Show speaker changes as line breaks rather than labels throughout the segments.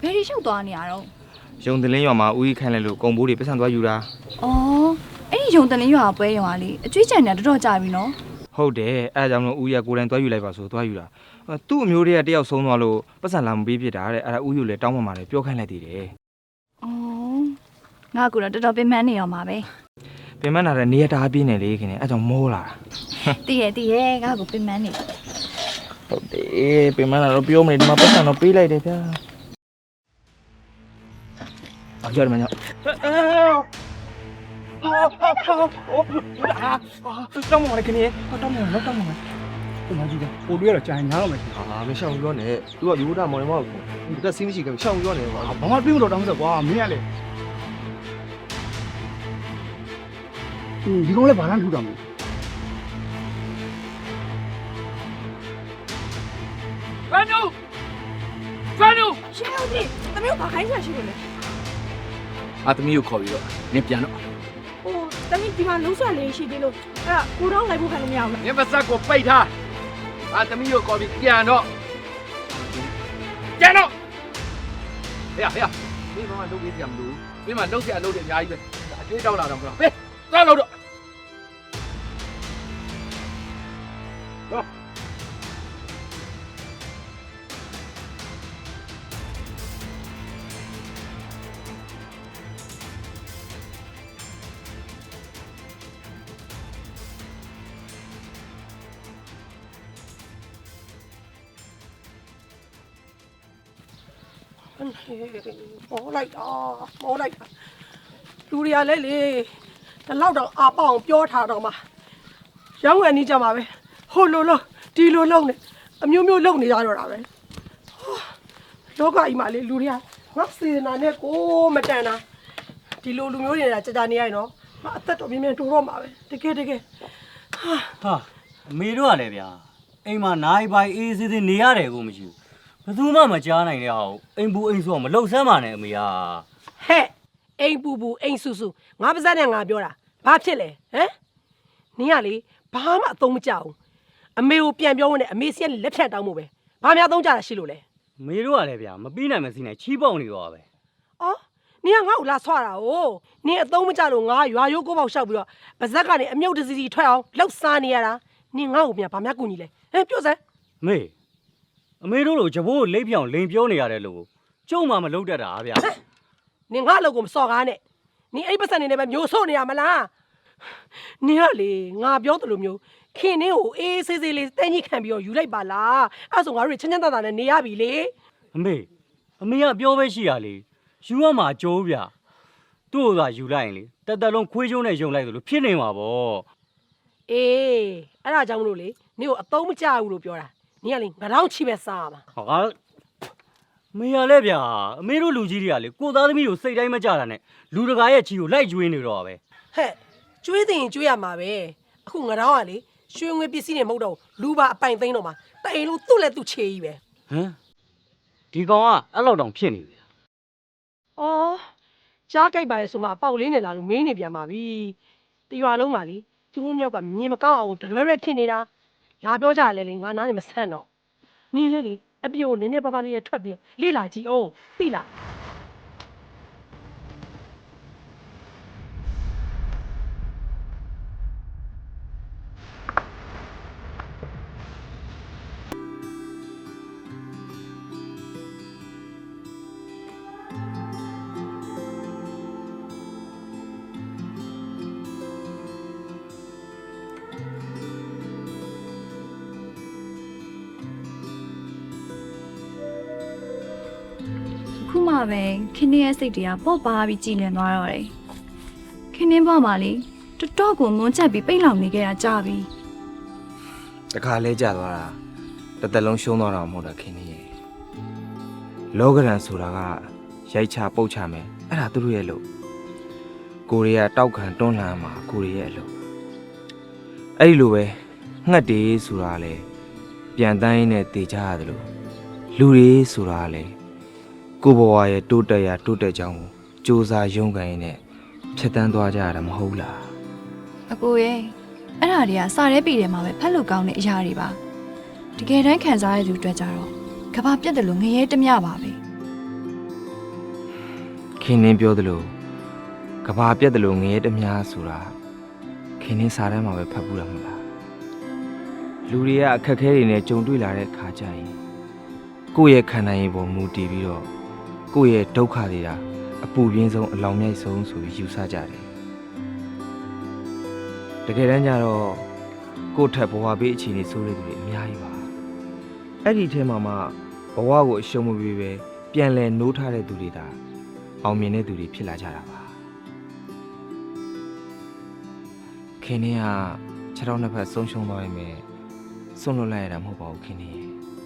ဘယ်ရီရှုပ်သွားနေရတော့
ရုံတလင်းရွာမှာဦးကြီးခိုင်းလိုက်လို့ကုံဘိုးတွေပတ်စံသွားယူတာ
အော်အဲ့ဒီရုံတလင်းရွာပွဲရုံကလေအကျွေးချန်နေတော်တော်ကြာပြီနော်
ဟုတ်တယ်အဲအကြောင်းလို့ဦးကြီးကကိုယ်တိုင်သွားယူလိုက်ပါဆိုသွားယူတာသူ့အမျိုးတွေကတယောက်ဆုံးသွားလို့ပတ်စံလာမပေးဖြစ်တာတဲ့အဲ့ဒါဦးကြီးလည်းတောင်းပန်ပါတယ်ပြောခိုင်းလိုက်သေးတယ်
အော်ငါကတော့တော်တော်ပင်ပန်းနေရောမှာပဲ
ပင်ပန်းလာတဲ့နေရတာပြင်းနေလေခင်ဗျအဲကြောင့်မောလာ
တည်ရဲ့ငါကပင်ပန်းနေ
ဟုတ်တယ်ပင်မလာတော့ပြောမနေဒီမှာပတ်စံတော့ပေးလိုက်တယ်ဗျာရတယ်မညာတောင်းမလိုက်ခင်ဗျတောင်းမလိုက်တောင်းမလိုက်
ဒီမှာကြည့်တယ်ပို့တွေ့ရတော့ကြာရင်ညားတော့မယ်
မရှောင်ပြောနဲ့သူကဒီဘုဒ္ဓမောင်မောင်ကိုဒီတက်စီးမရှိခင်ရှောင်ပြောနေပါ
ဘာမှပြေးမလို့တောင်းစက်ကွာမင်းကလေဒီကောင်လည်းဘာမှထူတာမဟုတ်
ဖန်နူ
ရှင်းဦးကြီးသမီးကိုဘာခိုင်းချင်ရှိလို့လဲ
သမီးကိုခေါ်ပြီးတော့နင်ပြန်တော့
ဟိုသမီးဒီမှာလုံးဆွလေးရှိသေးလို့အဲ့ဒါကိုတော့လိုက်ဖို့ခံလို့မရဘူး
နင်ပါစက်ကိုပိတ်ထားသမီးကိုခေါ်ပြီးပြန်တော့ဟေ့မင်းမလုပ်ပြီးပြန်မလို့မင်းမလုပ်ပြလုပ်တယ်အများကြီးပဲအကျွေးတောက်လာတော့မဟုတ်ဟေးသွားလို့တော့
မောလိုက်တာလူတွေကလည်းလေဒီလောက်တော့အာပေါအောင်ပြောထားတော့မှရောင်းဝယ်နေကြမှာပဲဟိုလိုလုံးဒီလိုလုံးနဲ့အမျိုးမျိုးလုံးနေကြတော့တာပဲလောကကြီးမှာလေလူတွေကငါစေနာနဲ့ကိုမတန်တာဒီလိုလူမျိုးတွေကကြာနေရရင်တော့ငါအသက်တော်မြင်တိုးတော့မှာပဲတကယ်
ဟာအမေတို့ကလည်းဗျာအိမ်မှာနိုင်ပိုင်အေးစေးစေးနေရတယ်ကိုမရှိဘူးဘယ်သူမှမကြားနိုင်တဲ့ဟာကိုအိမ်ပူအိမ်ဆိုမလှုပ်ဆမ်းပါနဲ့အမေဟာ
ဟဲ့အိမ်ပူအိမ်ဆူငါပါစက်နဲ့ငါပြောတာဘာဖြစ်လဲဟမ်နင်ကလေဘာမှအသုံးမကျဘူးအမေကိုပြန်ပြောဝင်နဲ့အမေစီကလက်ဖြတ်တောင်းဖို့ပဲဘာများသုံးကြတာရှိလို့လဲ
အမေတို့ကလည်းဗျာမပြီးနိုင်မစီနိုင်ချီးပေါက်နေတော့ပဲ
အော်နင်ကငါ့ကိုလာဆွတာ哦နင်အသုံးမကျလို့ငါရွာရိုးကိုပေါက်ရှောက်ပြီးတော့ပါဇက်ကနေအမြုပ်တစီစီထွက်အောင်လှုပ်စားနေရတာနင်ငါ့ကိုပြန်ဘာများကူညီလဲဟမ်ပြောစမ်း
အမေတို့လိုဂျဘိုးကိုလိမ့်ပြောင်လိန်ပြောနေရတယ်လို့ကျုံမှမလုပ်တတ်တာဗျာ
နင်ငါ့လောက်ကိုမစော်ကားနဲ့နင်အဲ့ပတ်စံနေနဲ့ပဲမျိုးဆို့နေရမလားနင်ကလေငါပြောသလိုမျိုးခင်နင်းကိုအေးဆေးဆေးလေးတင်းကြီးခံပြီးတော့ယူလိုက်ပါလားအဲ့ဆိုငါတို့ချမ်းချမ်းသာသာနဲ့နေရပြီလေ
အမေကပြောပဲရှိရလေယူရမှာကြိုးဗျာသူ့ကိုသာယူလိုက်ရင်လေတက်တက်လုံးခွေးကျုံးနဲ့ယုံလိုက်သလိုဖြစ်နေမှာပေါ့
အေးအဲ့ဒါကြောင့်မလို့လေနင်ကိုအသုံးမကျဘူးလို့ပြောတာနင်ကလေငါတော့ချီပဲစားမှာ
ဟာမေရလဲဗျာအမေတို့လူကြီးတွေကလေကိုသားသမီးကိုစိတ်တိုင်းမကြတာနဲ့လူတကာရဲ့ချီကိုလိုက်ကျွေးနေတော့ပဲ
ဟဲ့ကျွေးတင်ကျွေးရမှာပဲအခုငါတော့ကလေရွှေငွေပစ္စည်းတွေမဟုတ်တော့လူပါအပိုင်သိန်းတော့မှာတအိမ်လုံးသူ့လက်သူ့ချေကြီးပဲ
ဟမ်ဒီကောင်ကအဲ့လောက်တောင်ဖြစ်နေပြီ
အော်ကြားကြိုက်ပါလေဆိုမှအပေါက်လေးနဲ့လာလို့မင်းနေပြန်ပါပြီတရွာလုံးပါလေသူတို့မြောက်ကမြင်မကောင်းအောင်တလွဲရဲဖြစ်နေတာလာပြောကြတယ်လေငါနားနေမဆန့်တော့နင်းလေလေအပြိုနင်းနေပါပါလေးထွက်ပြီးလေ့လာကြည့်အောင်သိလား
ခုမှပဲခင်းရဲ့စိတ်တွေကပေါ့ပါပြီးကြည်လင်သွားတော့တယ်ခင်းဘွားမှာလေတော်တော်ကိုမွန်းချက်ပြီးပိတ်လောင်နေခဲ့တာကြာပြီ
တခါလဲကြာသွားတာတစ်သက်လုံးရှုံးသွားတာမဟုတ်တာခင်ဗျလောကရန်ဆိုတာကရိုက်ချပုတ်ချမယ်အဲ့ဒါသူတို့ရဲ့လို့ကိုရီးယားတောက်ခံတွန်းလှန်မှာကိုရီးယားရဲ့လို့အဲ့ဒီလိုပဲငှက်တေးဆိုတာလေပြန်တန်းရင်းနဲ့တေချရတယ်လို့လူတွေဆိုတာလေကိုဘဝရဲ့တိုးတက်ကြောင်းကိုစူးစမ်းရုန်းကန်ရင်းနဲ့ဖြတ်တန်းသွားကြရတာမဟုတ်လား
အကိုရဲ့အဲ့ဒါတွေကစာရဲပြည်ထဲမှာပဲဖတ်လို့ကောင်းတဲ့အရာတွေပါတကယ်တမ်းခံစားရတဲ့သူအတွက်ကြတော့ကဘာပြတ်တယ်လို့ငရဲတမျှပါပဲ
ခင်နှင်းပြောသလိုကဘာပြက်သလိုငရဲတမများဆိုတာခင်နှင်းစားထဲမှာပဲဖတ်ပူးတာမဟုတ်လားလူတွေကအခက်အခဲတွေနဲ့ကြုံတွေ့လာတဲ့ခါကျရင်ကိုယ့်ရဲ့ခန္ဓာရင်ပေါ်မူတည်ပြီးတော့ကိုယ့်ရဲ့ဒုက္ခတွေက အပူပြင်းဆုံးအလောင်မြိုက်ဆုံးဆိုပြီးယူဆကြတယ်တကယ်တမ်းကျတော့ကိုယ့်ထက်ဘဝဘေးအခြေအနေဆိုးတဲ့သူတွေအများကြီးပါအဲ့ဒီထဲမှာမှဘဝကိုအရှုံးမပေးပဲပြန်လဲနိုးထားတဲ့သူတွေဒါအောင်မြင်တဲ့သူတွေဖြစ်လာကြတာပါခင်ဗျားခြေထောက်နှစ်ဖက်ဆုံးရှုံးသွားရင်ပဲဆုံးလွတ်လိုက်ရတာမဟုတ်ပါဘူးခင်ဗျာ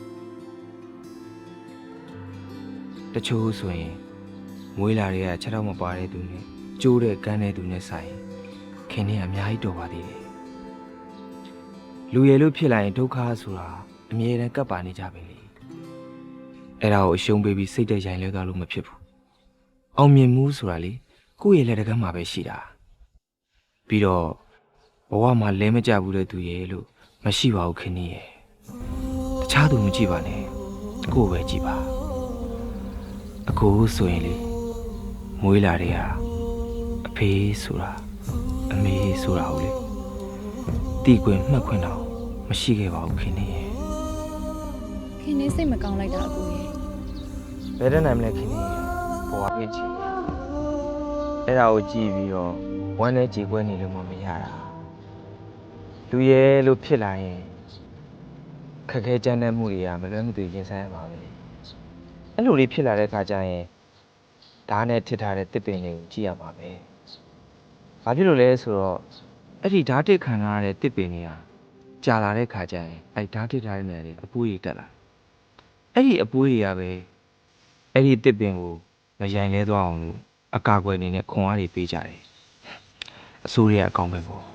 တချို့ဆိုရင်မွေးလာတွေကခြေထောက်မပါတဲ့သူနဲ့ကျိုးတဲ့ကန်းတဲ့သူနဲ့ဆိုင်ခင်ဗျားအများကြီးတော်ပါသေးတယ်လူရည်လို့ဖြစ်လာရင်ဒုက္ခဆိုတာအမြဲတမ်းကပ်ပါနေကြပဲလေအဲ့ဒါကိုအရှုံးပေးပြီးစိတ်တက်ရိုင်လဲသွားလို့မဖြစ်ဘူးအောင်မြင်မှုဆိုတာလေကိုယ့်ရဲ့လက်တကမ်းမှာပဲရှိတာပြီးတော့ဘဝမှာလဲမကြဘူးတဲ့သူရဲ့လို့မရှိပါဘူးခင်ဗျာတခြားသူမကြည့်ပါနဲ့ကိုယ်ပဲကြည့်ပါအကိုဆိုရင်လေမွေးလာတဲ့ဟာအဖေဆိုတာအမေဆိုတာဟုတ်လေတီကွင်မှတ်ခွင့်တော့မရှိခဲ့ပါဘူးခင်ဗျာ
ခင်နေစိတ်မကောင်းလိုက်တာအကိုရဲ့
ဘယ်တဲ့နိုင်မလဲခင်ဗျာဘဝပြည့်ချင်အဲ့ဒါကိုကြည့်ပြီးတော့ဝမ်းနဲ့ကြေကွဲနေလို့မရတာလူရဲလို့ဖြစ်လာရင်ခက်ခဲကြမ်းတမ်းမှုတွေကမလွဲမသွေရင်ဆိုင်ရပါပဲအဲ့လိုလေးဖြစ်လာတဲ့အခါကျရင်ဓာတ်နဲ့ထစ်ထားတဲ့တစ်ပင်တွေကိုကြည့်ရမှာပဲဘာဖြစ်လို့လဲဆိုတော့အဲ့ဒီဓာတ်တစ်ခံရတဲ့တစ်ပင်တွေကကြာလာတဲ့ခါကျရင်အဲ့ဓာတ်တစ်ထားတဲ့နေရာတွေအပွေးတွေတက်လာအဲ့ဒီအပွေးတွေကပဲအဲ့ဒီတစ်ပင်ကိုမရိုင်လဲသွားအောင်လို့အကာအကွယ်အနေနဲ့ခွန်အားတွေပေးကြတယ်အစိုးရအကောင်းပဲပေါ့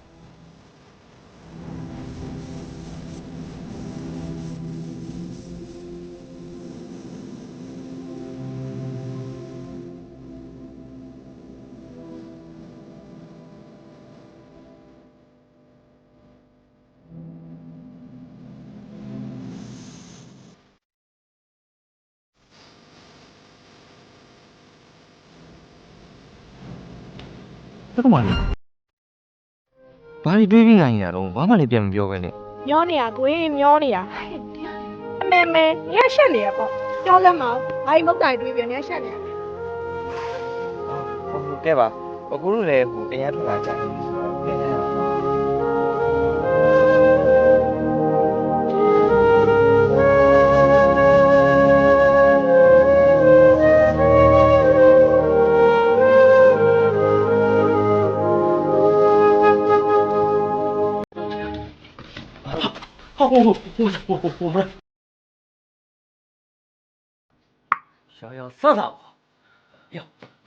ဘယ်မှာလဲဘာလို့တွေးပြီးငိုင်းနေတာတော့ဘာမှလည်းပြန်မပြောပဲနဲ့
မျောနေရကိုယ်မျောနေရအမေမေရရှက်နေရပေါ့ပြောလက်မဘာမုတ်တိုင်တွေးပြန်ရရှက်နေရ
ဟုတ်ကဲ့ပါအခုတို့လည်းဟိုအရင်ထွက်လာကြတယ်ပြန်ရအောင်
小要杀他我，哟，对，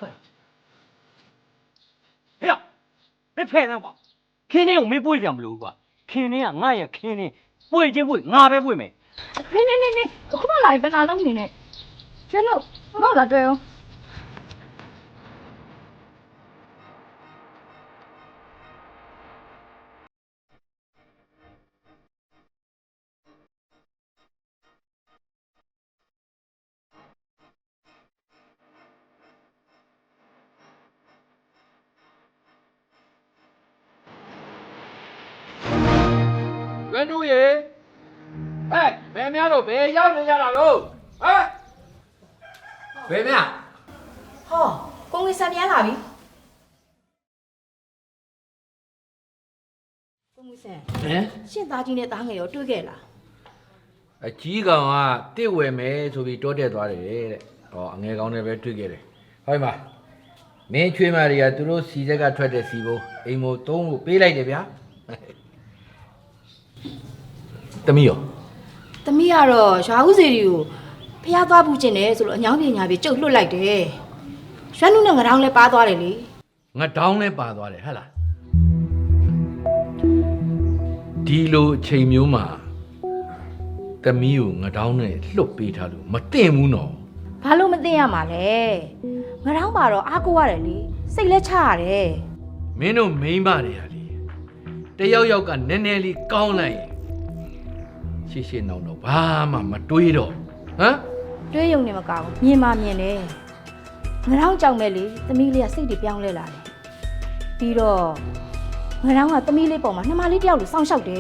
哎呀，别骗人吧，肯定我没不会讲不溜吧，肯定啊，俺也肯定不会就不会，俺别不会没。
နေခုမှလာရင်ဘယ်လာလုံးနေနဲ့ကျန်လို့ဘာလာတွေ့အောင်
ရွှေတို့ရေဘယ်များတော့ဘယ်ရောက်နေကြတာလို့ဘယ်များ
ဟောကိုငွေဆန်ပြန်လာပြီကိုငွေဆန်ရှင့်သားကြီးနဲ့သားငယ်ရောတွေ့ခဲ့လား
အကြီးကောင်ကတစ်ဝယ်မယ်ဆိုပြီးတောတက်သွားတယ်တဲ့ဟောအငယ်ကောင်နဲ့ပဲတွေ့ခဲ့တယ်ဟောဒီမှာမင်းချွေးမတွေကသူတို့စီဆက်ကထွက်တဲ့စီဘိုးအိမ်မို့သုံးလို့ပေးလိုက်တယ်ဗျာတမီးရော
သမီးကတော့ရွာဦးစီတွေကိုဖျားသွားပူကျင်တယ်ဆိုလို့အညောင်းပညာပြေကျုပ်လွတ်လိုက်တယ်ရွှမ်းနုနဲ့ငရောင်းလဲပါသွားတယ်လေ
ငါတောင်းလဲပါသွားတယ်ဟဟလားဒီလိုအချိန်မျိုးမှာတမီးကိုငါတောင်းနဲ့လှုပ်ပေးထားလို့မတင်ဘူးနော်
ဘာလို့မသိရမှာလဲငရောင်းပါတော့အားကိုရတယ်လေစိတ်လဲချရတယ်
မင်းတို့မိန်းမတွေဟာလေတယောက်ယောက်ကနည်းနည်းလေးကောင်းလိုက်ရင်ရှေ့ရှေ့နောက်တော့ဘာမှမတွေးတော့ဟမ်
တွေးယုံနေမကောင်းမြင်မှမြင်တယ်ငရောင်းကြောက်မဲ့လေသမီးလေးကစိတ်တွေပြောင်းလဲလာတယ်ပြီးတော့ငရောင်းကသမီးလေးပေါ်မှာနှမလေးတယောက်လိုစောင့်ရှောက်တယ်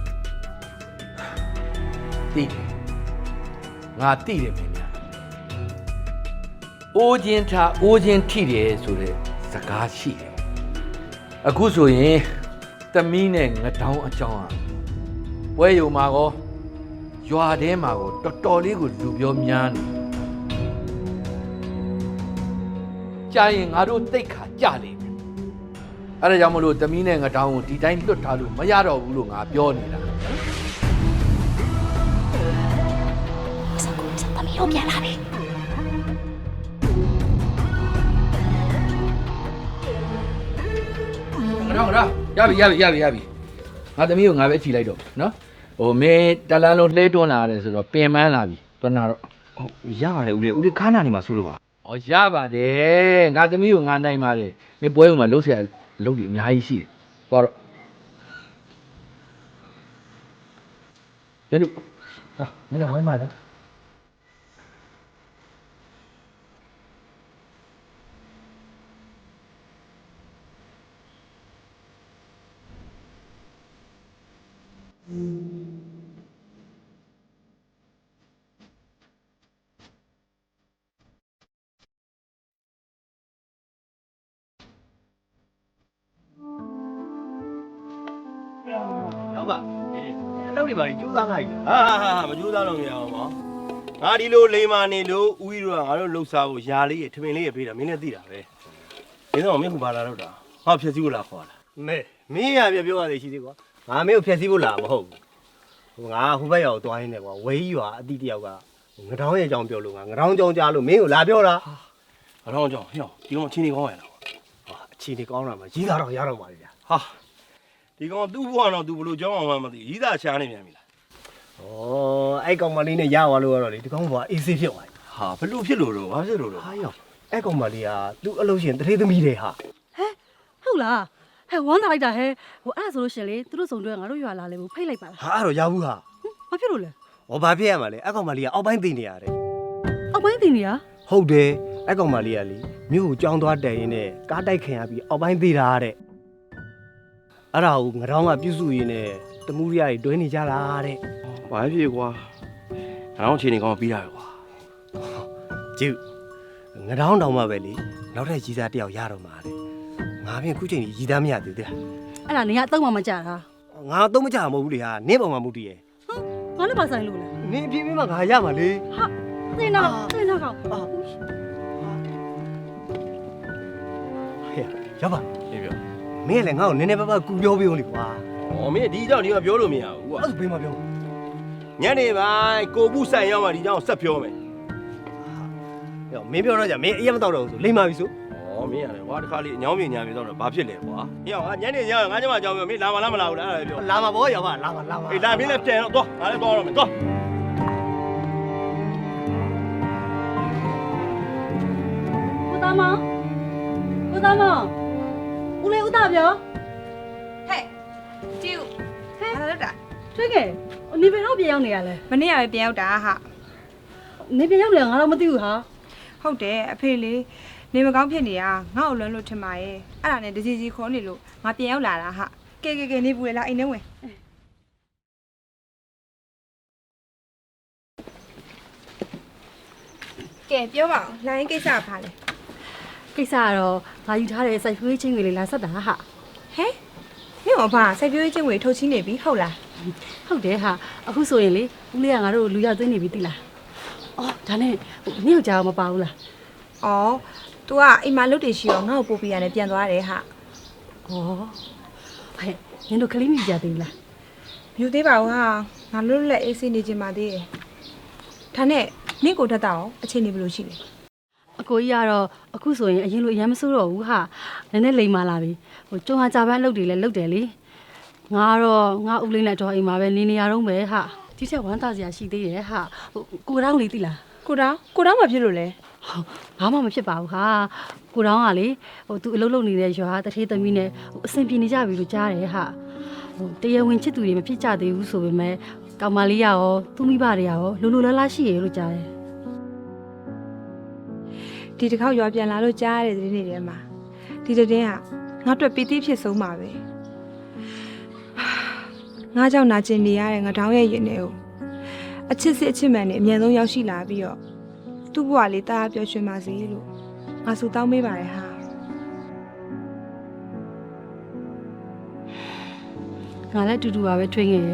သိတယ်ငါသိတယ်မင်းများအိုးချင်းထားအိုးချင်းထိတယ်ဆိုတဲ့စကားရှိတယ်အခုဆိုရင်သမီးနဲ့ငတောင်းအကြောင်းอ่ะပွဲယုံမှာကောရွာထဲမှာကောတော်တော်လေးကိုလူပြောများနေကြာရင်ငါတို့တိတ်ခါကြလိမ့်မယ်အဲ့ဒါကြောင့်မလို့သမီးနဲ့ငတောင်းကိုဒီတိုင်းလွတ်ထားလို့မရတော့ဘူးလို့ငါပြောနေတာ
သမီးတို့ပြန်လာပြီ
ငါတော့ရပြီငါသမီးကိုငါပဲချီလိုက်တော့နော်ဟိုမင်းတလန်းလုံးလှဲတွန်းလာရတယ်ဆိုတော့ပင်ပန်းလာပြီတွန်းလာတော့
ဟုတ်ရပါတယ်ဦးလေးခါနာနေမှာဆိုလို့ပါ
ဩရပါတယ်ငါသမီးကိုငါနိုင်ပါတယ်မင်းပွဲဥမှာလှုပ်ရှားလှုပ်ပြီးအများကြီးရှိတယ်သွားတော့ကျန်တို့ဟာမင်းလည်းဝိုင်းပါလား
ဟုတ်ပါအလုပ်တွေပါကြိုးစားလိုက်ဟာမကြိုးစားလို့မရအောင်ပါငါဒီလိုလိန်မာနေလို့ဦးကြီးတို့ကငါတို့လှုပ်ရှားဖို့ຢာလေးရထမင်းလေးရပေးတာမင်းလည်းသိတာပဲမင်းတော့မင်းကဘာလာတော့တာငါဖြည့်စည်းဖို့လာခေါ်လာမဲမင်းရပြပြောရသေးရှိသေးကွာငါမင်းကိုဖြည့်စည်းဖို့လာမဟုတ်ဘူးငါဟိုဘက်ရောက်သွားရင်းနဲ့ကွာဝေးရွာအတိတယောက်ကငတောင်းရဲ့အကြောင်းပြောလို့ငါငတောင်းကြောင်းကြားလို့မင်းကိုလာပြောတာငတောင်းကြောင်းဟေ့ဒီကောင်ချင်းနေကောင်းရလားဟာအချင်းနေကောင်းတာမှကြီးသားတော့ရတော့ပါလေဗျာဟာဒီကောင်သူ့ဘဝတော့သူဘလို့ကြောင်းအောင်မှမသိကြီးသားရှားနေပြန်ပြီလားဩအဲ့ကောင်မလေးနဲ့ရသွားလို့ကတော့လေဒီကောင်ကအေးဆေးဖြစ်သွားပြီဟာဘလို့ဖြစ်လို့တော့ဘာဖြစ်လို့တော့ဟာရောအဲ့ကောင်မလေးကသူ့အလုပ်ရှင်တထေးသမီးတွေဟာ
ဟုတ်လားဟဲ့ဝမ်းသာလိုက်တာဟဲ့ဟိုအဲ့ဒါဆိုလို့ရှင်လေသူတို့စုံတွဲငါတို့ရွာလာလေဘူးဖိတ်လိုက်ပါလား
ဟာအဲ့တော့ရဘူးဟာ
ဘာဖြစ်လို့လဲ
ဟောဘာဖြစ်ရမှာလဲအဲ့ကောင်မလေးကအောက်ပိုင်းသိနေရတယ်
အောက်ပိုင်းတင်နေရ
ဟုတ်တယ်အဲ့ကောင်မလေးကလေမြို့ကိုကြောင်းသွားတက်ရင်းနဲ့ကားတိုက်ခင်ရပြီးအောက်ပိုင်းသိတာတဲ့အဲ့ဒါကိုငရောင်းကပြုစုရင်းနဲ့တမှုရတွေတွဲနေကြတာတဲ့ဘာဖြစ်ကွာငရောင်းချင်းနေကောင်ပြီးတာပဲကွာကျုပ်ငရောင်းတောင်မှပဲလေနောက်ထပ်ကြီးစားတယောက်ရတော့မှာလေငါပြင်ခုချိန်ကြီးသားမရသေးသေးလား
အဲ့ဒါနေကအတော့မှမကြတာ
ငါတော့မကြမဟုတ်ဘူးလေဟာနင်းပေါ်မှာမဟုတ်တည်ရဲ့
ငါလည်းပါဆိုင်လို့လဲ
နင်းအပြင်းပြင်းမှငါရမှာလေ
ဟာသိနာကောင်
ဟဲ့ရပါ
ပြေပြော
မင်းကလည်းငါ့ကိုနည်းနည်းပါးပါးကူပြောပေးဦးလေကွာ
ဩမင်းဒီကြောင့်ဒီမှာပြောလို့မရဘူးကွာ
အဲ့ဒါဘေးမှာပြော
ညနေပိုင်းကိုပုဆိုင်ရောက်မှဒီကြောင့်ဆက်ပြောမယ်
ဟဲ့မင်းပြောတော့ကြမင်းအရင်မတော့တော့ဘူးဆိုလိမ့်ပါပြီဆို
ဩမင်းရတယ်ကွာတခါလေးအညောင်းပြညာပြတော့ဘာဖြစ်လဲကွာဟေ့ငါညနေညငါကျမအကြောင်းပြောမင်းလာမလားမလာဘူးလားအဲ့ဒါပြော
လာမှာဗောရောက်ပါလာမှာ
အေးလာမင်းလည်းပြန်တော့သွားငါလည်းသွားတော့မယ်သွား
ဦးသားမောင်ဦးလေးဦးသားပြော
ဟဲ့ကျူဘာလို့တာ
တွေ့ခဲ့နေပြန်တော့ပြန်ရောက်နေရလဲ
မနေ့ကပဲပြန်ရောက်တာဟာ
နေပြန်ရောက်နေငါတော့မသိဘူးဟာ
ဟုတ်တယ်အဖေလေးနေမကောင်းဖြစ်နေတာငါ့ကိုလွန်းလို့ထင်ပါရဲ့အဲ့ဒါနဲ့တစီစီခေါ်နေလို့ငါပြန်ရောက်လာတာဟာကဲနေဘူးလေလားအိမ်ထဲဝင် ကဲပြောပါဦးလိုင်းကိစ္စကဘာလဲ
ကိစ္စကတော့ငါယူထားတဲ့စိုက်ဖွေးချင်းတွေလေးလာဆက်တာဟာ
ဟဲ့မင်းကဘာစိုက်ပျိုးရေးချင်းတွေထုတ်ချင်းနေပြီဟုတ်လား
ဟုတ်တယ်ဟာအခုဆိုရင်လေဦးလေးကငါတို့လူရောက်သွင်းနေပြီသိလားအော်ဒါနဲ့နင့်ယောက်ျားမပါဘူးလား
အော် तू ကအိမ်မှာလုတ်တယ်ရှိရောငါ့ကိုပို့ပြရတယ်ပြန်သွားတယ်ဟာ
ဩဟဲ့နင်တို့ကလေးမိကြသေးလား
မြူသေးပါဘူးဟာငါလွတ်လက်အေးဆေးနေချင်ပါသေးတယ်ဒါနဲ့နင့်ကိုတက်တာရောအခြေအနေဘယ်လိုရှိလဲ
အကိုကြီးကတော့အခုဆိုရင်အရင်လိုအရင်မဆိုးတော့ဘူးဟာနည်းနည်းလိမ်မာလာပြီဟိုကျုံဟာကြပန်းအလုပ်တွေလည်းလုပ်တယ်လေငါကတော့ငါဦးလေးနဲ့တော့အိမ်မှာပဲနေရတော့ပဲဟာဒီချက်ဝမ်းသာစရာရှိသေးရဲ့ဟာဟိုကိုတောင်းလေးသိလား
ကိုတောင်းမဖြစ်လို့လဲ
ဘာမှမဖြစ်ပါဘူးဟာကိုတောင်းကလေဟိုသူအလုပ်လုပ်နေတဲ့ရွာတထေးသမီးနဲ့ဟိုအဆင်ပြေနေကြပြီလို့ကြားတယ်ဟာဟိုတရားဝင်ချစ်သူတွေမဖြစ်ကြသေးဘူးဆိုပေမဲ့ကောင်မလေးရောသူ့မိဘတွေရောလိုလိုလားလားရှိရလို့ကြားတယ်
ဒဒီတစ်ခေါက်ရွာပြန်လာလို့ကြားရတဲ့သတင်းတွေထဲမှာဒီသတင်းကငါအတွက်ပီတိဖြစ်ဆုံးပါပဲငါကြောင့်နာကျင်နေရတဲ့ငါတောင်းရဲ့ရင်ထဲကိုအချစ်စစ်အချစ်မှန်နဲ့အမြန်ဆုံးရောက်ရှိလာပြီးတော့သူ့ဘဝလေးတားပျော်ရွှင်ပါစေလို့ငါဆုတောင်းပေးပါရဟာ
ငါလည်းအတူတူပါပဲထွေးငယ်ရဲ့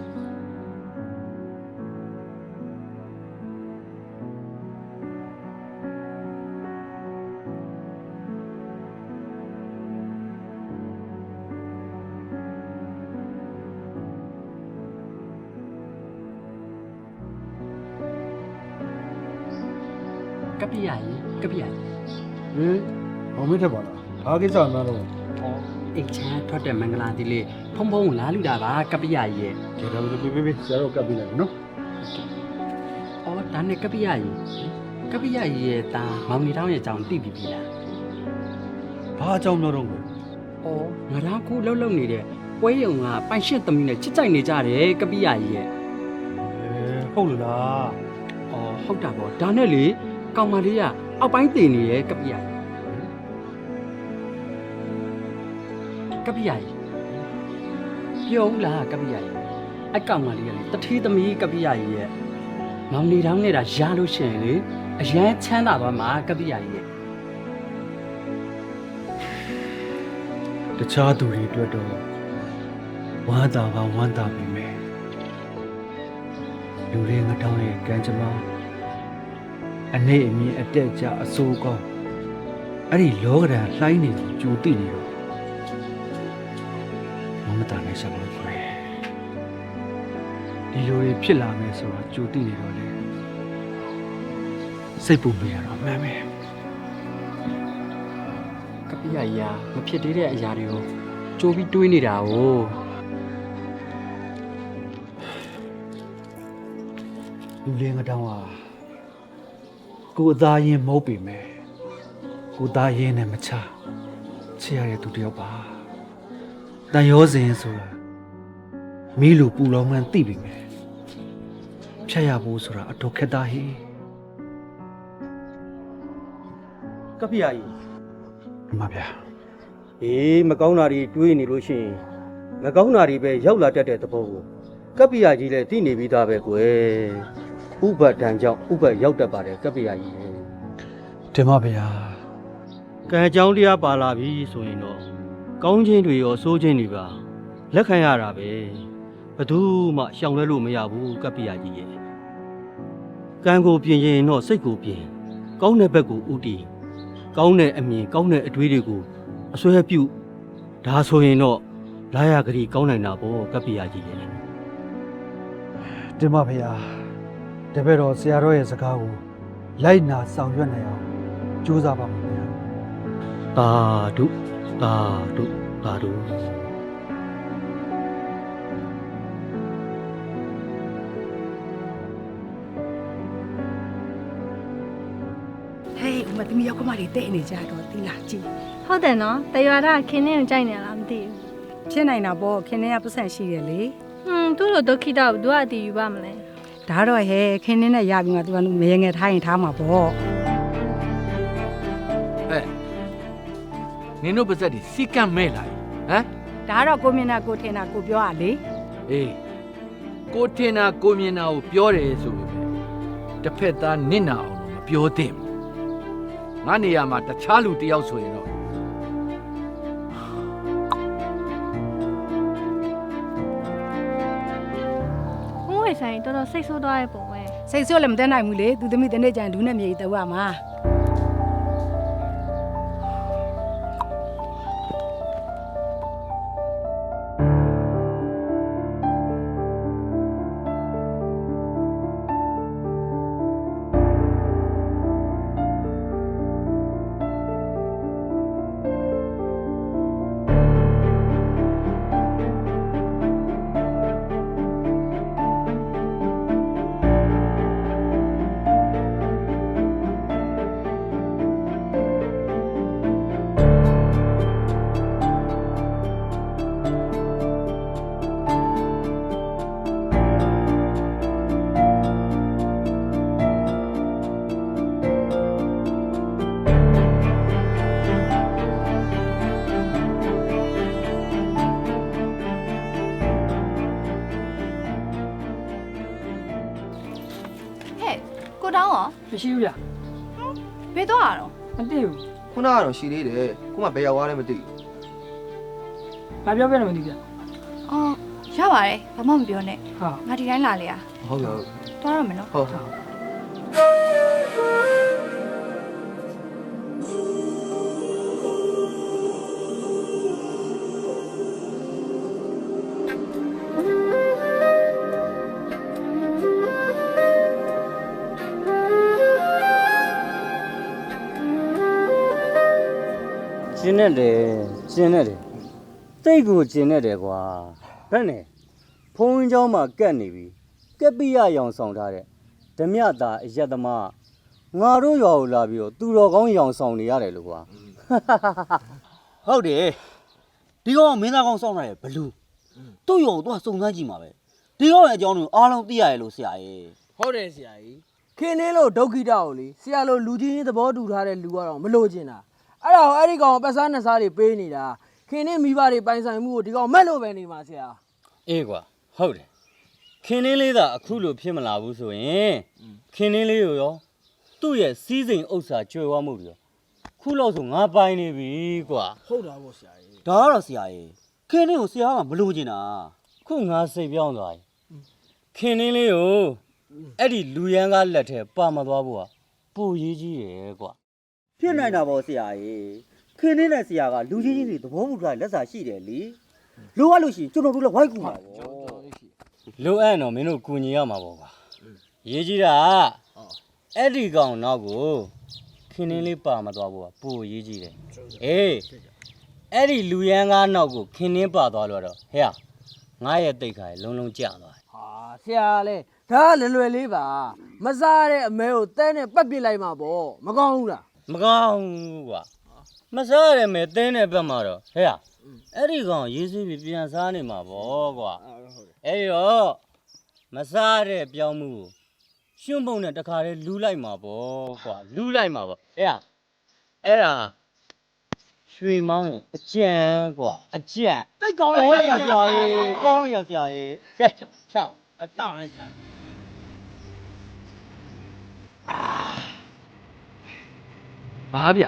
ကပ္ပိယကြီးကပ္ပိယကြီး
ဟင်ဘာမင်းထက်ပါလားဘာကိစ္စမှန်းတော့
အိတ်ချမ်းထွက်တဲ့မင်္ဂလာတိလေးဖုံဖုံလာလူတာပါကပ္ပိယကြီးရဲ့
ဒါတော့ပေးဆရာတို့ကပ်ပြီးလိုက်နော်
အော်ဒါနဲ့ကပ္ပိယကြီးကပ္ပိယကြီးရဲ့တာမောင်နေတောင်းရဲ့အကြောင်းသိပြီပြီလား
ဘာအကြောင်းပြောတော့လဲ
အော်ငါတော့ခုလှုပ်လှုပ်နေတဲ့ပွဲရုံကပိုင်ရှစ်သမီးနဲ့ချစ်ကြိုက်နေကြတယ်ကပ္ပိယကြီးရဲ့
ဟုတ်လို့လား
အော်ဟုတ်တာပေါ့ဒါနဲ့လေကောင်မလေးကအောက်ပိုင်းတည်နေရဲ့ကပ္ပိယကပ္ပိယကြီးပြောဦးလားကပ္ပိယကြီးအကောင်မလေးကလေတထေးသမီးကပ္ပိယကြီးရဲ့မောင်နေတောင်းနေတာရလို့ရှိရင်လေအရန်ချမ်းသာပါမှာကပ္ပိယကြီးရဲ့
တခြားသူတွေအတွက်တော့ဝမ်းသာပါဝမ်းသာပြီမယ်လူတွေငတောင်းရဲ့ကံကြမ္မာအနေအမြင်အတက်ကြအစိုးကောင်းအဲ့ဒီလောကဓာတ်လှိုင်းနေကြိုတိနေတော့မတားနိုင်ရှာလို့ပဲဒီလိုတွေဖြစ်လာမယ်ဆိုတော့ကြိုတိနေတော့လေစိတ်ပူမိရတော့မှန်မယ်
ကပ္ပိယကြီးကမဖြစ်သေးတဲ့အရာတွေကိုကြိုးပြီးတွေးနေတာ哦
လူလေးငတောင်းဟာကိုယ်အသားရင်မဟုတ်ပေမဲ့ကိုယ်သားရင်နဲ့မချချစ်ရတဲ့သူတစ်ယောက်ပါတန်ရောစဉ်ဆိုတာမီးလိုပူလောင်မှန်းသိပြီမယ်ဖြတ်ရဖို့ဆိုတာအတော်ခက်သားဟိ
ကပ္ပိယကြီး
အမဗျာ
အေးမကောင်းတာတွေတွေးနေလို့ရှိရင်မကောင်းတာတွေပဲရောက်လာတတ်တဲ့သဘောကိုကပ္ပိယကြီးလည်းသိနေပြီးသားပဲကွယ်ဥပဒံကြောင့်ဥပရောက်တတ်ပါတယ်ကပ္ပိယကြီး
တင်ပါဗျာ
ကံအကြောင်းတရားပါလာပြီဆိုရင်တော့ကောင်းခြင်းတွေရောဆိုးခြင်းတွေပါလက်ခံရတာပဲဘယ်သူမှရှောင်လွဲလို့မရဘူးကပ္ပိယကြီးရဲ့ကံကိုပြင်ရင်တော့စိတ်ကိုပြင်ကောင်းတဲ့ဘက်ကိုဥတည်ကောင်းတဲ့အမြင်ကောင်းတဲ့အတွေးတွေကိုအစွဲပြုဒါဆိုရင်တော့လာရကလေးကောင်းနိုင်တာပေါ့ကပ္ပိယကြီးရဲ့
တင်ပါဗျာတပည့်တော်ဆရာတော်ရဲ့စကားကိုလိုက်နာဆောင်ရွက်နိုင်အောင်ကြိုးစားပါမယ်ဗျာ
သာဓုသာဓုသာဓု
ဟေးဥမသမီးရောက်ကမလေးတဲ့နေကြတော့သီလားကြည့်
ဟုတ်တယ်နော်တရွာသားခင်းနေကိုကြိုက်နေလားမသိဘူး
ဖြစ်နိုင်တာပေါ့ခင်းနေကပတ်စံရှိတယ်လေ
သူ့လိုဒုက္ခိတကိုသူကအတီးယူပါမလဲ
ဒါတော့ဟဲခင်းနေနဲ့ရပြီးမှသူကမရေငယ်ထားရင်ထားမှာပေါ့
ဟဲ့နင်တို့ပါဇက်ဒီစီကံမဲ့လာဟမ်
ဒါတော့ကိုမြင်တာကိုထင်တာကိုပြောရလေ
အေးကိုထင်တာကိုမြင်တာကိုပြောတယ်ဆိုပေမဲ့တစ်ဖက်သားနစ်နာအောင်လို့မပြောသင့်ဘူးငါနေရာမှာတခြားလူတစ်ယောက်ဆိုရင်တော့
ဘုံဝေဆိုင်တော်တော်စိတ်ဆိုးသွားရဲ့ပုံပဲ
စိတ်ဆိုးလည်းမတက်နိုင်ဘူးလေသူသမီးတနေ့ကျရင်လူနဲ့မြေတူရမှာ
ကိုတောင်းရော
မရှိဘူးဗျ
ဘယ်တော့ရတော့
မသိဘူး
ခုနကတော့ရှိသေးတယ်ခုမှဘယ်ရောက်သွားလဲမသိဘူး
ဘာပြောပြလဲမသိဗျ
အော်ရပါတယ်ဘာမှမပြောနဲ့
ဟာ
ငါဒီတိုင်းလာလေရ
ဟုတ်ပြီ
သွားရမယ်နော်
ဟုတ်
ကျင်းနေတယ်ကျင်းနေတယ်တိတ်ကိုကျင်းနေတယ်ကွာဘယ်နဲ့ဖုံးเจ้าမှာကက်နေပြီကက်ပိယရောင်ဆောင်ထားတဲ့ဓမြတာအယက်သမားငါတို့ရွာကိုလာပြီးတော့သူတော်ကောင်းရောင်ဆောင်နေရတယ်လို့ကွာဟုတ်တယ်ဒီကောင်ကမင်းသားကောင်းဆောင်နေတယ်ဘလူးသူ့ရောကိုသူကစုံစမ်းကြည့်မှာပဲဒီကောင်ရဲ့အကြောင်းကိုအားလုံးသိရတယ်လို့ဆရာကြီး
ဟုတ်တယ်ဆရာကြီးခင်းလေးလို့ဒုက္ခိတကိုလေဆရာလိုလူကြီးသဘောတူထားတဲ့လူကတော့မလို့ကျင်တာအဲ့ဒါကိုအဲ့ဒီကောင်ပတ်စားနှစ်စားတွေပေးနေတာခင်းလေးမိဘတွေပိုင်ဆိုင်မှုကိုဒီကောင်မက်လို့ပဲနေမှာဆရာ
အေးကွာဟုတ်တယ်ခင်းလေးသာအခုလိုဖြစ်မလာဘူးဆိုရင်ခင်းလေးကိုရောသူ့ရဲ့စီးစိမ်ဥစ္စာကျွေဝမှုတွေရောခုလောက်ဆိုငါပိုင်နေပြီကွာ
ဟုတ်တာပေါ့ဆရာကြီး
ဒါကတော့ဆရာကြီးခင်းလေးကိုဆရာကမလိုချင်တာခုငါစိတ်ပြောင်းသွားပြီခင်းလေးကိုအဲ့ဒီလူရန်ကားလက်ထဲပါမသွားဘူးကပိုရေးကြီးတယ်ကွာဖြစ်နိုင်တာပေါ့ဆရာကြီးခင်းလေးနဲ့ဆရာကလူကြီးကြီးတွေသဘောမှုထားလက်စာရှိတယ်လေလိုအပ်လို့ရှိရင်ကျွန်တော်တို့လည်းဝိုက်ကူပါပေါ့လိုအပ်တော့မင်းတို့ကူညီရမှာပေါ့ကွာရေးကြီးတာအဲ့ဒီကောင်နောက်ကိုခင်းလေးပါမသွားဘူးကပိုရေးကြီးတယ်အေးအဲ့ဒီလူရန်ကားနောက်ကိုခင်းနှင်းပါသွားလို့တော့ဟဲ့ငါရဲ့တိတ်ခါလုံးလုံးကျသွား
ဟာဆရာလေဒါကလွယ်လေးပါမစားတဲ့အမဲကိုတဲနဲ့ပတ်ပစ်လိုက်မှာပေါ့မကောင်းဘူးလား
မကောင်းဘူးကွာမစားရမယ်တင်းတဲ့ဘက်မှာတော့ဟဲ့အဲ့ဒီကောင်ရေးစီးပြီးပြန်စားနေမှာပေါ့ကွာအဲ့တော့မစားတဲ့ပြောင်းမှုကိုရှုံးပုံနဲ့တခါတည်းလူးလိုက်မှာပေါ့ကွာလူးလိုက်မှာပေါ့ဟဲ့အဲ့ဒါရွှေမောင်းရဲ့အကြံကွာအကြံတိတ်ကောင်းရဆရာကြီးကောင်းရဆရာကြီးကဲချောက်အတောင်းလိုက်
ဘာဗျ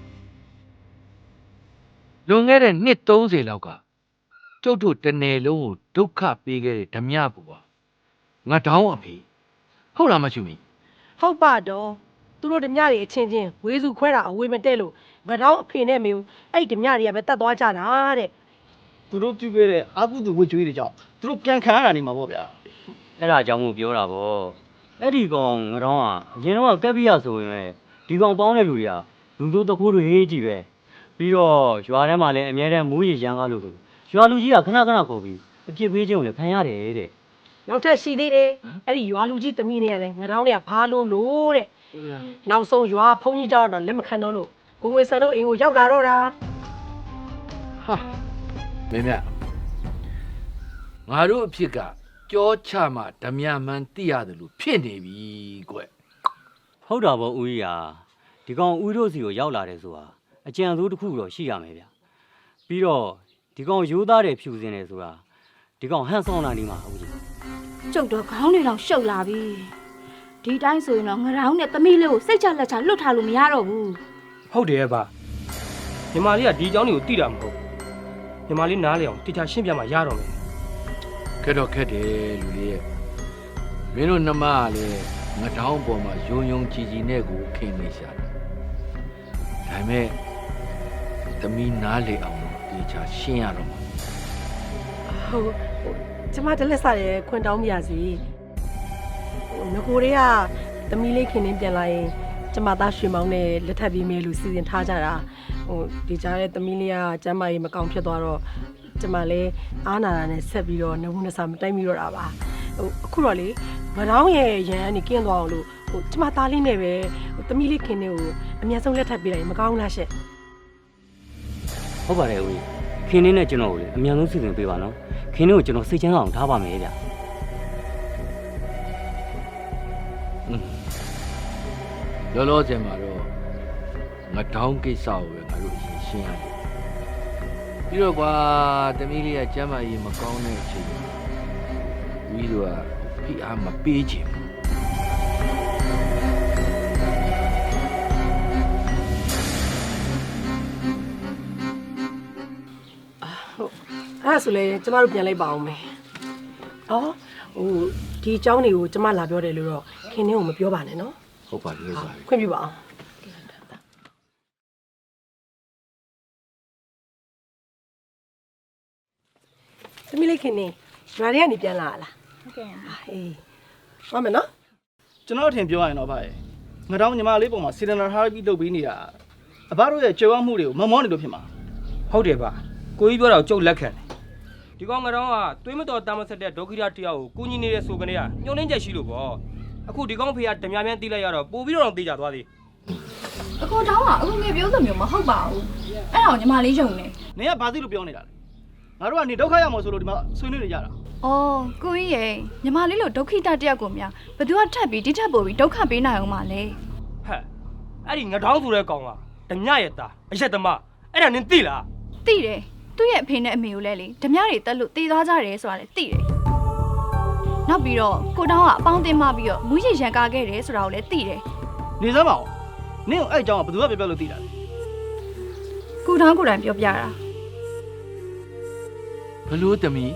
လွန်ခဲ့တဲ့နှစ်30လောက်ကကျုပ်တို့တနယ်လုံးကိုဒုက္ခပေးခဲ့တဲ့ဓမြပူပါငါတောင်းအဖေဟုတ်လားမချူမီ
ဟုတ်ပါတော့သူတို့ဓမြတွေအချင်းချင်းဝေစုခွဲတာအဝေမတက်လို့ငါတော့အဖေနဲ့မေကိုအဲ့ဓမြတွေကပဲတတ်သွားကြတာတဲ့
သူတို့ပြုခဲ့တဲ့အာကုသူဝတ်ကြွေးတွေကြောင့်သူတို့ပြန်ခံရတာနေမှာပေါ့ဗျာ
အဲ့ဒါအကြောင်းကိုပြောတာဗောအဲ့ဒီကောင်ငတော့ကအရင်တော့ကက်ပိယဆိုရင်ပဲဒီကောင်ပေါင်းတဲ့လူတွေကလူတို့တကူတွေကြီးပဲပြီးတော့ရွာထဲမှာလည်းအများတဲ့မူးရရန်ကားလို့ဆိုရွာလူကြီးကခဏခဏခေါ်ပြီးအပြစ်ပေးခြင်းကိုလည်းခံရတယ်တဲ့
နောက်ထပ်ရှိသေးတယ်အဲ့ဒီရွာလူကြီးသမီးတွေကလည်းငါတော့တွေကဘာလို့လို့တဲ့နောက်ဆုံးရွာဖုန်ကြီးတောက်တော့လက်မခံတော့လို့ကိုဝေဆန်တို့အိမ်ကိုရောက်လာတော့တာ
ဟာမင်းမြငါတို့အဖြစ်ကကြောချမှဓမြမှန်သိရတယ်လို့ဖြစ်နေပြီကွ
ဟုတ်တာဗောဦးကြီးဟာဒီကောင်ဦးတို့စီကိုရောက်လာတယ်ဆိုတာအကြံစိုးတစ်ခုတော့ရှိရမယ်ဗျပြီးတော့ဒီကောင်ရိုးသားတယ်ဖြူစင်တယ်ဆိုတာဒီကောင်ဟန်ဆောင်လာနေမှာဦးကြီး
ကျုပ်တော့ခေါင်းတွေတော့ရှုပ်လာပြီဒီတိုင်းဆိုရင်တော့ငရောင်းနဲ့သမီးလေးကိုစိတ်ချလက်ချလွတ်ထားလို့မရတော့ဘူး
ဟုတ်တယ်ဗျညီမလေးကဒီအကြောင်းတွေကိုသိတာမဟုတ်ညီမလေးနားလေအောင်တခြားရှင်းပြမှရတော့မယ်
ခက်တော့ခက်တယ်လူလေးရဲ့မင်းတို့နှမကလည်းငတောင်းပေါ်မှာယုံယုံကြည်ကြည်နဲ့ကိုခင်နေရှာတယ်ဒါပေမဲ့သမီးနားလေအောင်လို့ဒီချာရှင်းရတော့မှာ
ဟုတ်ကျမတလက်စားရဲခွန်တောင်းပြရစီငကိုတွေကသမီးလေးခင်နေပြန်လာရင်ကျမသားရွှေမောင်းနဲ့လက်ထပ်ပြီးမဲလို့စီစဉ်ထားကြတာဒီကြားတဲ့သမီးလေးကကျမကြီးမကောင်းဖြစ်သွားတော့ကျမလည်းအားနာတာနဲ့ဆက်ပြီးတော့နှုတ်နှစာမတိုက်မိတော့တာပါအခုတော့လေငတောင်းရဲ့ရန်ကနေကင်းသွားအောင်လို့ကျမသားလေးနဲ့ပဲသမီးလေးခင်နေကိုအများဆုံးလက်ထပ်ပေးလိုက်မကောင်းလားရှင့်
ဟုတ်ပါတယ်ဦးကြီးခင်းနေနဲ့ကျွန်တော်ကိုလည်းအမြန်ဆုံးစီစဉ်ပေးပါနော်ခင်းနေကိုကျွန်တော်စိတ်ချမ်းသာအောင်ထားပါမယ်ဗျ
လောလောဆယ်မှာတော့ငတောင်းကိစ္စကိုပဲငါတို့အရင်ရှင်းရတယ်ပြီးတော့ကွာသမီးလေးကကျမ်းမာရေးမကောင်းတဲ့အချိန်မှာဝီတို့ကဖိအားမပေးချင်ဘူး
ဒါဆိုလဲကျမတို့ပြန်လိုက်ပါအောင်မယ်နော်ဟိုဒီအကြောင်းတွေကိုကျမလာပြောတယ်လို့တော့ခင်နှင်းကိုမပြောပါနဲ့နော်
ဟုတ်ပါပြီဟုတ်ပါပြီ
ခွင့်ပြုပါအောင်သမီးလေးခင်နှင်းရွာထဲကနေပြန်လာလားဟုတ်ကဲ့အေးပါမယ်နော်
ကျွန်တော်အထင်ပြောရရင်တော့ဗျာငါတောင်းညီမလေးပုံမှာစီဒနာထားပြီးလုပ်ပြီးနေတာအဘတို့ရဲ့ကြွယ်ဝမှုတွေကိုမမောနေလို့ဖြစ်မှာ
ဟုတ်တယ်ဗျကိုကြီးပြောတာကိုကြုတ်လက်ခံတယ်ဒီကောင်ငါတော့ကသွေးမတော်တမ်းမဆက်တဲ့ဒုက္ခိတတယောက်ကိုကူညီနေတဲ့ဆိုကနေကညှို့နှင်းချက်ရှိလို့ပေါ့အခုဒီကောင်ဖေကဓမြမြန်းတီးလိုက်ရတော့ပို့ပြီးတော့တေးကြသွားသေး
အကိုတောင်းကအခုငယ်ပြောသမျိုးမဟုတ်ပါဘူးအဲ့ဒါကိုညီမလေးယုံနေ
နင်ကဘာသိလို့ပြောနေတာလဲငါတို့ကနေဒုက္ခရောက်မှာဆိုလို့ဒီမှာဆွေးနွေးနေကြတာ
အော်ကိုကြီးရဲ့ညီမလေးလို့ဒုက္ခိတတယောက်ကိုများဘယ်သူကထပ်ပြီးဒီထပ်ပို့ပြီးဒုက္ခပေးနိုင်အောင်မလဲ
ဟဲ့အဲ့ဒီငတောင်းဆိုတဲ့ကောင်ကဓမြရဲ့သားအရက်သမားအဲ့ဒါနင်သိလား
သိတယ်သူ့ရဲ့အဖေနဲ့အမေကိုလည်းလေဓမြတွေတက်လို့တေးသွားကြတယ်ဆိုတာလည်းသိတယ်နောက်ပြီးတော့ကိုတောင်းကအပေါင်းတင်မပြီးတော့မူးရည်ရန်ကားခဲ့တယ်ဆိုတာကိုလည်းသိတယ်
နေစမ်းပါဦးနင်ကိုအဲ့အကြောင်းကဘယ်သူကပြောလို့သိတာလဲ
ကိုတောင်းကိုယ်တိုင်ပြောပြတာ
ဘလို့တမီ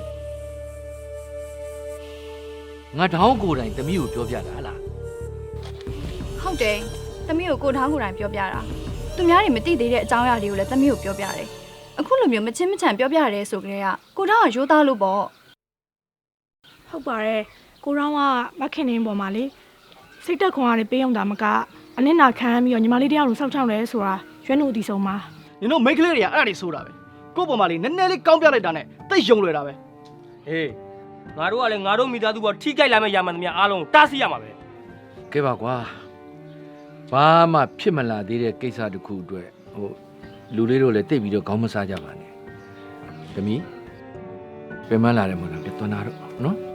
ငါတောင်းကိုယ်တိုင်တမီကိုပြောပြတာလား
ဟုတ်တယ်သမီးကိုကိုတောင်းကိုယ်တိုင်ပြောပြတာသူများတွေမသိသေးတဲ့အကြောင်းအရာတွေကိုလည်းသမီးကိုပြောပြတယ်အခုလိုမျိုးမချင်းမချန်ပြောပြရတယ်ဆိုကြတဲ့ကကိုတောင်းကရိုးသားလို့ပေါ့
ဟုတ်ပါတယ်ကိုရောင်းကမခင်နေပေါ်မှာလေစိတ်တက်ခွန်ရတယ်ပေးအောင်တာမကအနစ်နာခံပြီးတော့ညီမလေးတယောက်လိုစောက်ချောင်းလဲဆိုတာရွှဲနှုတ်အတီဆုံးမှာ
နင်တို့မိန်းကလေးတွေကအဲ့ဒါတွေဆိုတာပဲကို့ပေါ်မှာလေနည်းနည်းလေးကောင်းပြလိုက်တာနဲ့တိတ်ယုံလွယ်တာပဲ
ဟေးငါတို့ကလည်းငါတို့မိသားစုပေါ်ထိကြိုက်လာမယ့်ရမှန်သမျှအားလုံးတားဆီးရမှာပဲ
ကဲပါကွာဘာမှဖြစ်မလာသေးတဲ့ကိစ္စတစ်ခုအတွက်ဟိုလူလေးတို့လည်းတိတ်ပြီးတော့ခေါင်းမစားကြပါနဲ့တမီပြန်မလာတယ်မို့လားပြန်သွားတော့နော်